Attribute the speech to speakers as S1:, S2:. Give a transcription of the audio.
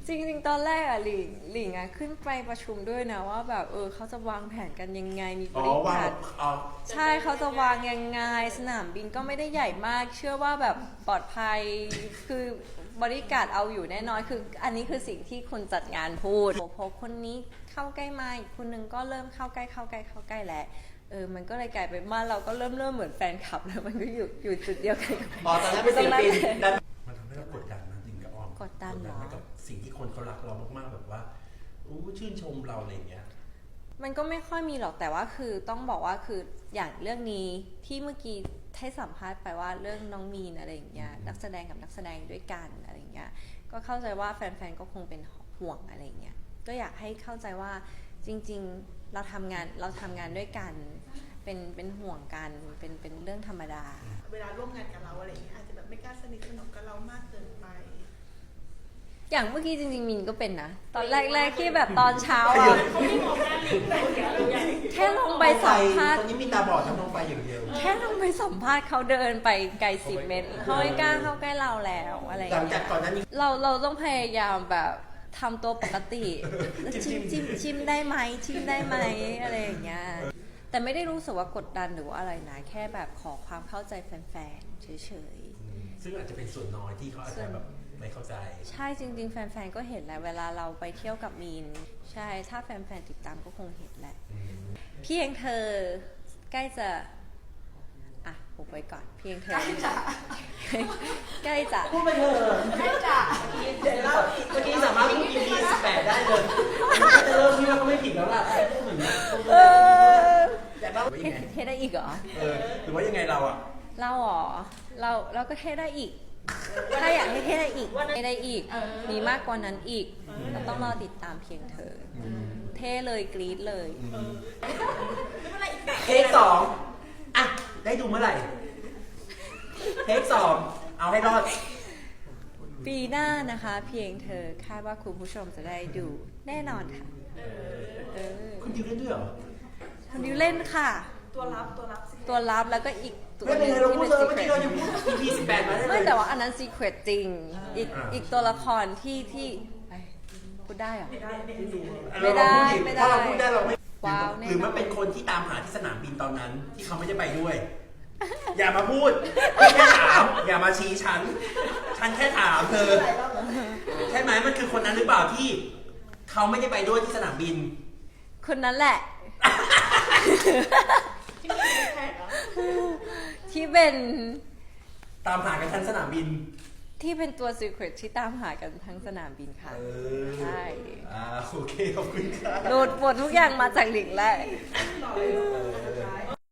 S1: จริงๆตอนแรกอะหลิงอะขึ้นไปประชุมด้วยนะว่าแบบเขาจะวางแผนกันยังไงมีบริการใช่เขาจะวางยังไงสนามบินก็ไม่ได้ใหญ่มากเชื่อว่าแบบปลอดภัยคือบริการเอาอยู่แน่นอนคืออันนี้คือสิ่งที่คนจัดงานพูดพอคนนี้เข้าใกล้มาอีกคนนึงก็เริ่มเข้าใกล้แล้วมันก็เลยกลายเป็นว่าเราก็เริ่มเหมือนแฟนคลับแล้วมันก็อยู่จุดเดียวกัน
S2: ตอนนั้นเป็นศิลปินมันทำให้เรากดดันนะจริงกับอ้อม
S1: กดดันเหรอ
S2: กับสิ่งที่คนเขารักเรามากๆแบบว่าชื่นชมเราอะไรอย่างเงี้ย
S1: มันก็ไม่ค่อยมีหรอกแต่ว่าคือต้องบอกว่าคืออย่างเรื่องนี้ที่เมื่อกี้ให้สัมภาษณ์ไปว่าเรื่องน้องมีนอะไรอย่างเงี้ยนักแสดงกับนักแสดงด้วยกันอะไรอย่างเงี้ยก็เข้าใจว่าแฟนๆก็คงเป็นห่วงอะไรอย่างเงี้ยก็อยากให้เข้าใจว่าจริงๆเราทำงานด้วยกันเป็นห่วงกันเป็นเรื่องธรรมดา
S3: เวลาร่วมงานกับเราอะไรอย่างเงี้ยอาจจะแบบไม่กล้าสนิทสนมกับเรามากเกินไป
S1: อย่างเมื่อกี้จริงๆมินก็เป็นนะตอนแรกๆที่แบบตอนเช้าแค่ลงไปสัมภาษณ์
S2: ตอนนี้มีตาบอดทำลงไปอย่างเดียว
S1: แค่ลงไปสัมภาษณ์เขาเดินไปไกล10 เมตรเขาไม่กล้าเข้าใกล้เราแล้วอะไรอย่างเงี้ย
S2: หลังจากก่อนนั้น
S1: เราต้องพยายามแบบทำตัวปกติชิมได้ไหมอะไรอย่างเงี้ยแต่ไม่ได้รู้สึกว่ากดดันหรือว่าอะไรนะแค่แบบขอความเข้าใจแฟนๆเฉย
S2: ๆซึ่งอาจจะเป็นส่วนน้อยที่เขาอาจจะแบบไม่เข้าใจ
S1: ใช่จริงๆแฟนๆก็เห็นแหละเวลาเราไปเที่ยวกับมีนใช่ถ้าแฟนๆติดตามก็คงเห็นแหละเพียงเธอใกล้จะปุบไว้ก่อนเพียงเธอใกล้จะ
S2: พูดไปเถอะ
S3: ใกล้จะ
S2: เมื่อกี้สามารถพูด EP 18ได้เลยจะเริ่มที่ว่าก็ไม่ผิดแล้วล่ะพูดเหมือนนี้อยากเล่าว่ายังไง
S1: เทได้อีกเหรอ
S2: หรือว่ายังไงเราอะ
S1: เราเหรอเราก็เทได้อีกถ้าอยากให้เทได้อีกมีมากกว่านั้นอีกเราต้องรอติดตามเพียงเธอเทเลยกรี๊ดเลย
S2: เทค2อะได้ดูเมื่อไหร่เทค2เอาให้รอด
S1: ปีหน้านะคะเพียงเธอคาดว่าคุณผู้ชมจะได้ดูแน่นอนค่ะ
S2: คุณดิวเล่นด้วยเหรอ
S1: คุณดิวเล่นค่ะ
S3: ตัวรับ
S1: แล้วก็อีก
S2: ตัวนึงที่เป็น secret เมื่อกี้เรายังพูด EP 18มาได้เลย
S1: ไม่แต่ว่าอันนั้น secret จริงอีกตัวละครที่พูดได้เหรอไม่ได้
S2: ถ้าเราพูดได้เราไม่
S1: ว้าว
S2: หรือมันเป็นคนที่ตามหาที่สนามบินตอนนั้นที่เขาไม่ได้ไปด้วยอย่ามาพูดแค่ถามอย่ามาชี้ฉันแค่ถามเธอใช่ไหมมันคือคนนั้นหรือเปล่าที่เขาไม่ได้ไปด้วยที่สนามบิน
S1: คนนั้นแหละที่เป็น
S2: ตามหากันทั้งสนามบิน
S1: ที่เป็นตัว secret ที่ตามหากันทั้งสนามบินค่ะใช่
S2: โอเคขอบคุณค่ะ
S1: โหลดบททุกอย่างมาจากหลิงแหละ